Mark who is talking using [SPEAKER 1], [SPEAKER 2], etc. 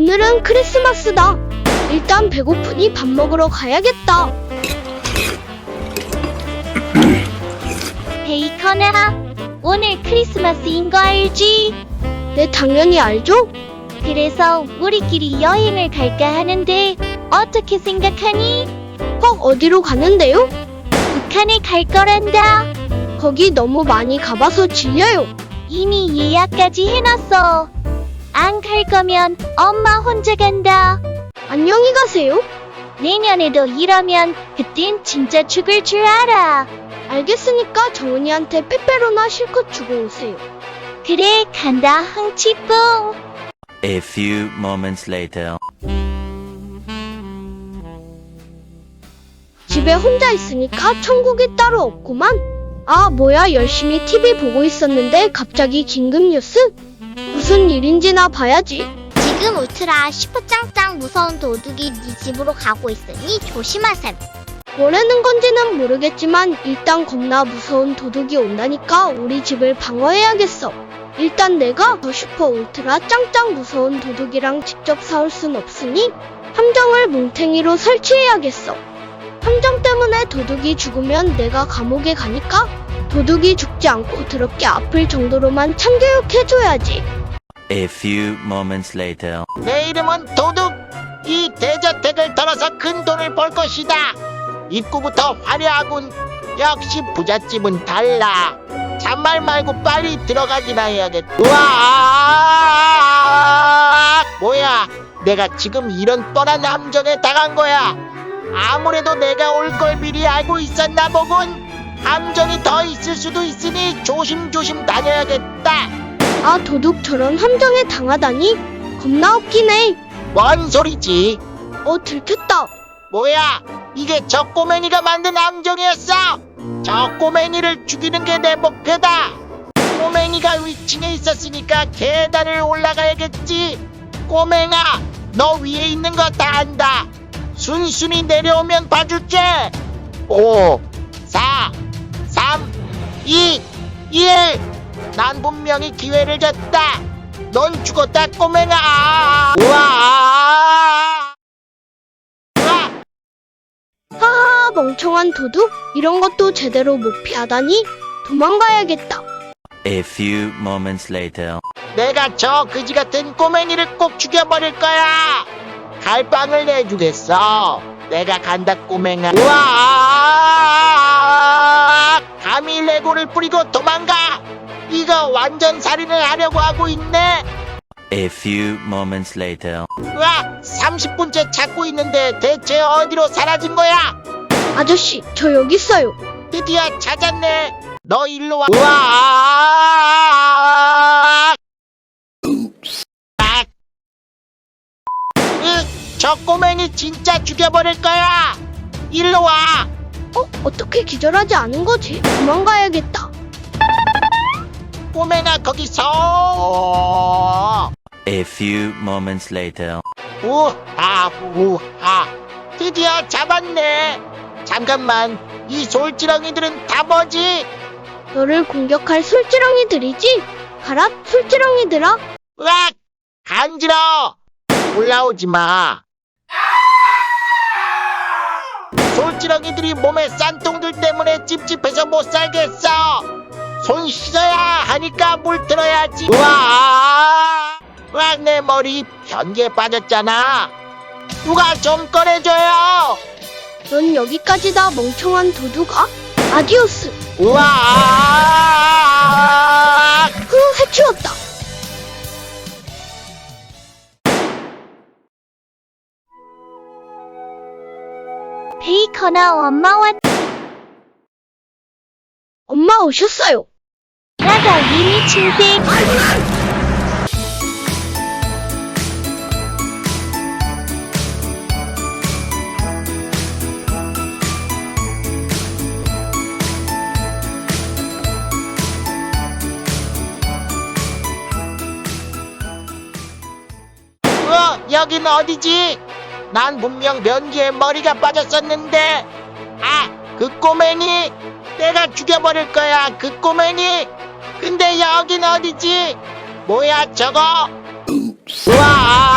[SPEAKER 1] 오늘은 크리스마스다. 일단 배고프니 밥 먹으러 가야겠다.
[SPEAKER 2] 베이컨아, 오늘 크리스마스인 거 알지?
[SPEAKER 1] 네, 당연히 알죠?
[SPEAKER 2] 그래서 우리끼리 여행을 갈까 하는데 어떻게 생각하니?
[SPEAKER 1] 어디로 가는데요?
[SPEAKER 2] 북한에 갈 거란다.
[SPEAKER 1] 거기 너무 많이 가봐서 질려요.
[SPEAKER 2] 이미 예약까지 해놨어. 안 갈 거면 엄마 혼자 간다.
[SPEAKER 1] 안녕히 가세요.
[SPEAKER 2] 내년에도 이러면 그땐 진짜 죽을 줄 알아.
[SPEAKER 1] 알겠으니까 정은이한테 빼빼로나 실컷 주고 오세요.
[SPEAKER 2] 그래, 간다 흥치뿡.
[SPEAKER 3] A few moments later.
[SPEAKER 1] 집에 혼자 있으니까 천국이 따로 없구만. 아, 뭐야, 열심히 TV 보고 있었는데 갑자기 긴급 뉴스? 무슨 일인지나 봐야지.
[SPEAKER 4] 지금 울트라 슈퍼짱짱 무서운 도둑이 네 집으로 가고 있으니 조심하셈.
[SPEAKER 1] 뭐라는 건지는 모르겠지만 일단 겁나 무서운 도둑이 온다니까 우리 집을 방어해야겠어. 일단 내가 더 슈퍼 울트라 짱짱 무서운 도둑이랑 직접 싸울 순 없으니 함정을 뭉탱이로 설치해야겠어. 함정 때문에 도둑이 죽으면 내가 감옥에 가니까 도둑이 죽지 않고 더럽게 아플 정도로만 참교육해줘야지.
[SPEAKER 3] A few moments later.
[SPEAKER 5] 내 이름은 도둑. 이 대저택을 털어서 큰 돈을 벌 것이다. 입구부터 화려하군. 역시 부잣집은 달라. 잔말 말고 빨리 들어가기나 해야겠다. 우와! 뭐야? 내가 지금 이런 뻔한 함정에 당한 거야. 아무래도 내가 올 걸 미리 알고 있었나 보군. 함정이 더 있을 수도 있으니 조심조심 다녀야겠다.
[SPEAKER 1] 아, 도둑 저런 함정에 당하다니 겁나 웃기네.
[SPEAKER 5] 뭔 소리지?
[SPEAKER 1] 들켰다.
[SPEAKER 5] 뭐야? 이게 저 꼬맹이가 만든 함정이었어? 저 꼬맹이를 죽이는 게 내 목표다. 꼬맹이가 위층에 있었으니까 계단을 올라가야겠지. 꼬맹아, 너 위에 있는 거 다 안다. 순순히 내려오면 봐줄게. 5, 4, 3, 2, 1. 난 분명히 기회를 줬다. 넌 죽었다, 꼬맹아. 우와!
[SPEAKER 1] 하하, 멍청한 도둑. 이런 것도 제대로 못 피하다니. 도망가야겠다.
[SPEAKER 3] A few moments later.
[SPEAKER 5] 내가 저 그지 같은 꼬맹이를 꼭 죽여버릴 거야. 갈빵을 내주겠어. 내가 간다, 꼬맹아. 우와! 감히 레고를 뿌리고 도망가. 이거 완전 살인을 하려고 하고 있네.
[SPEAKER 3] A few moments later.
[SPEAKER 5] 우와! 30분째 찾고 있는데 대체 어디로 사라진 거야?
[SPEAKER 1] 아저씨, 저 여기 있어요.
[SPEAKER 5] 드디어 찾았네. 너 일로 와. 우와! 저 꼬맹이 진짜 죽여버릴 거야. 일로 와.
[SPEAKER 1] 어떻게 기절하지 않은 거지? 도망가야겠다.
[SPEAKER 5] 꼬맹아, 거기서.
[SPEAKER 3] A few moments later.
[SPEAKER 5] 우하 우하. 드디어 잡았네. 잠깐만, 이 솔지렁이들은 다 뭐지?
[SPEAKER 1] 너를 공격할 솔지렁이들이지? 가라, 솔지렁이들아.
[SPEAKER 5] 으악! 간지러워. 올라오지 마. 솔지렁이들이 몸에 싼통들 때문에 찝찝해서 못 살겠어. 손 씻어야 하니까 물 들어야지. 우와! 으악, 내 머리 변기에 빠졌잖아. 누가 좀 꺼내줘요.
[SPEAKER 1] 넌 여기까지다, 멍청한 도둑아. 아디오스.
[SPEAKER 5] 우와!
[SPEAKER 1] 해치웠다.
[SPEAKER 2] 베이컨아, 엄마 왔.
[SPEAKER 1] 엄마 오셨어요.
[SPEAKER 2] 나가 이미 친생.
[SPEAKER 5] 여긴 어디지? 난 분명 변기에 머리가 빠졌었는데. 아, 그 꼬맹이. 내가 죽여버릴 거야, 그 꼬맹이. 근데 여긴 어디지? 뭐야 저거? 우와!